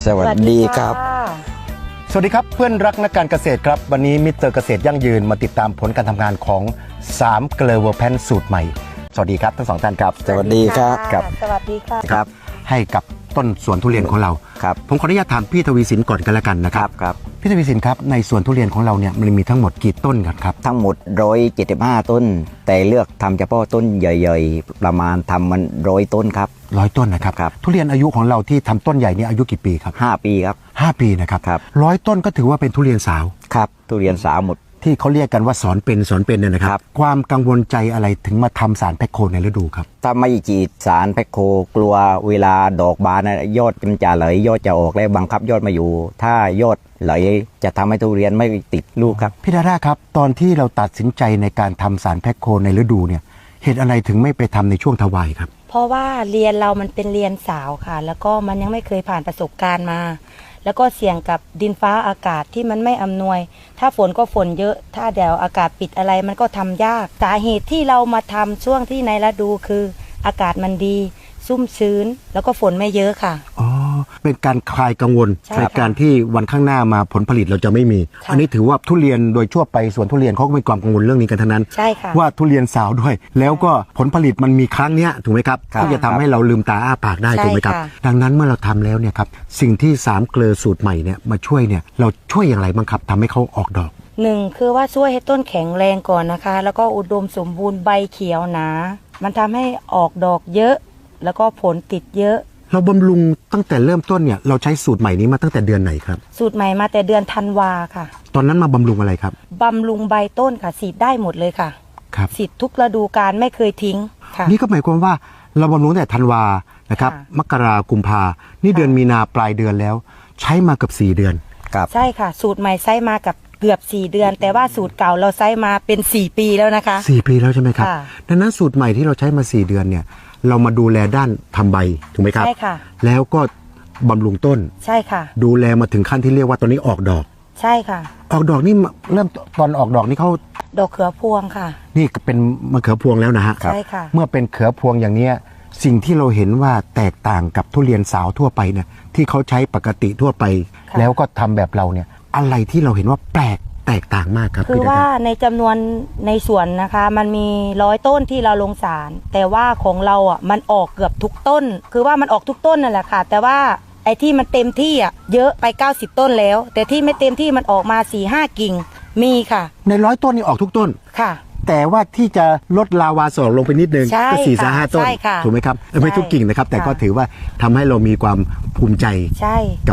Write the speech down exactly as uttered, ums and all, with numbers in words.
สวัสดีครับสวัสดีครับเพื่อนรักนักการเกษตรครับวันนี้มิสเตอร์เกษตรยั่งยืนมาติดตามผลการทำงานของสามเกลอเวอร์แพนสูตรใหม่สวัสดีครับทั้งสองท่านครับสวัสดีครับครับสวัสดีค่ะครับให้กับต้นสวนทุเรียนของเราครับผมขออนุญาตถามพี่ทวีสินก่อนกันแล้วกันนะคครัรับบครับพี่ทวีสินครับในสวนทุเรียนของเราเนี่ยมันมีทั้งหมดกี่ต้นกันครับทั้งหมดหนึ่งร้อยเจ็ดสิบห้าต้น แต่เลือกทำเฉพาะต้นใหญ่ๆ ประมาณทำมันร้อยต้นครับร้อยต้นนะครับครับทุเรียนอายุของเราที่ทำต้นใหญ่เนี่ยอายุกี่ปีครับห้าปีครับห้าปีนะครับครับร้อยต้นก็ถือว่าเป็นทุเรียนสาวครับทุเรียนสาวหมดที่เขาเรียกกันว่าสอนเป็นสอนเป็นเนี่ยนะคครัรับบ ความกังวลใจอะไรถึงมาทำสารแพคโคในฤดูครับถ้าไม่ฉีดสารแพคโคกลัวเวลาดอกบานนะยอดมันจะไหลยอดจะออกแล้วบังคับยอดมาอยู่ ถ้ายอดไหลจะทำให้ทุเรียนไม่ติดลูกครับพี่ดาด้าครับตอนที่เราตัดสินใจในการทำสารแพคโคในฤดูเนี่ยเหตุอะไรถึงไม่ไปทำในช่วงทวายครับเพราะว่าเรียนเรามันเป็นเรียนสาวค่ะ แล้วก็มันยังไม่เคยผ่านประสบการณ์มา แล้วก็เสี่ยงกับดินฟ้าอากาศที่มันไม่อำนวย ถ้าฝนก็ฝนเยอะ ถ้าเดี๋ยวอากาศปิดอะไรมันก็ทำยาก สาเหตุที่เรามาทำช่วงที่ในฤดูคืออากาศมันดี ซุ่มชื้น แล้วก็ฝนไม่เยอะค่ะอ๋อเป็นการคลายกังวลใช่ในค่ะการที่วันข้างหน้ามาผลผลิตเราจะไม่มีค่ะอันนี้ถือว่าทุเรียนโดยทั่วไปสวนทุเรียนเขาก็มีความกังวลเรื่องนี้กันทั้งนั้นใช่ค่ะว่าทุเรียนสาวด้วย แล้วก็ผลผลิตมันมีครั้งเนี้ยถูกไหมครับครับที่จะทำให้เราลืมตาอ้าปากได้ใช่ถูกไหมครับค่ะดังนั้นเมื่อเราทำแล้วเนี่ยครับสิ่งที่สามเกลือสูตรใหม่เนี่ยมาช่วยเนี่ยเราช่วยอย่างไรบ้างครับทำให้เขาออกดอกหนึ่งคือว่าช่วยให้ต้นแข็งแรงก่อนนะคะ แล้วก็อุดมสมบูรณ์ใบเขียวหนา มันทำให้ออกดอกเยอะ แล้วก็ผลติดเยอะเราบำรุงตั้งแต่เริ่มต้นเนี่ยเราใช้สูตรใหม่นี้มาตั้งแต่เดือนไหนครับสูตรใหม่มาแต่เดือนธันวาค่ะตอนนั้นมาบำรุงอะไรครับบำรุงใบต้นค่ะสีดได้หมดเลยค่ะครับสีดทุกฤดูกาลไม่เคยทิ้งค่ะนี่ก็หมายความว่าเราบำรุงตั้งแต่ธันวานะครับค่ะมกรากุมภานี่ค่ะเดือนมีนาปลายเดือนแล้ว ใช้มาเกือบสี่เดือนครับใช่ค่ะ สูตรใหม่ใช้มากับเกือบสี่เดือน แต่ว่าสูตรเก่าเราใช้มาเป็นสี่ปีแล้วนะคะสี่ปีแล้วใช่ไหมครับค่ะดังนั้นสูตรใหม่ที่เราใช้มาสี่เดือนเนี่ยเรามาดูแลด้านทำใบถูกไหมครับใช่ค่ะแล้วก็บำรุงต้นใช่ค่ะดูแลมาถึงขั้นที่เรียกว่าตอนนี้ออกดอกใช่ค่ะออกดอกนี่เริ่มตอนออกดอกนี่เขาดอกเขือพวงค่ะนี่เป็นมะเขือพวงแล้วนะฮะใช่ค่ะเมื่อเป็นเขือพวงอย่างเนี้ยสิ่งที่เราเห็นว่าแตกต่างกับทุเรียนสาวทั่วไปเนี่ยที่เขาใช้ปกติทั่วไปค่ะแล้วก็ทำแบบเราเนี่ยอะไรที่เราเห็นว่าแปลกแตกต่างมากครับคือพี่ดาว่าดาในจำนวนในสวนนะคะ มันมีร้อยต้นที่เราลงสาร แต่ว่าของเราอ่ะมันออกเกือบทุกต้น คือว่ามันออกทุกต้นนั่นแหละค่ะ แต่ว่าไอ้ที่มันเต็มที่อ่ะเยอะไปเก้าสิบต้นแล้ว แต่ที่ไม่เต็มที่มันออกมา สี่ห้า กิ่งมีค่ะในร้อยต้นนี่ออกทุกต้นค่ะแต่ว่าที่จะลดลาวาสอกลงไปนิดนึงใช่ก็สี่สค่ะห้าต้นใช่ค่ะถูกไหมครับเออไม่ใช่ทุกกิ่งนะครับ แต่ค่ะก็ถือว่าทำให้เรามีความภูมิใจใช่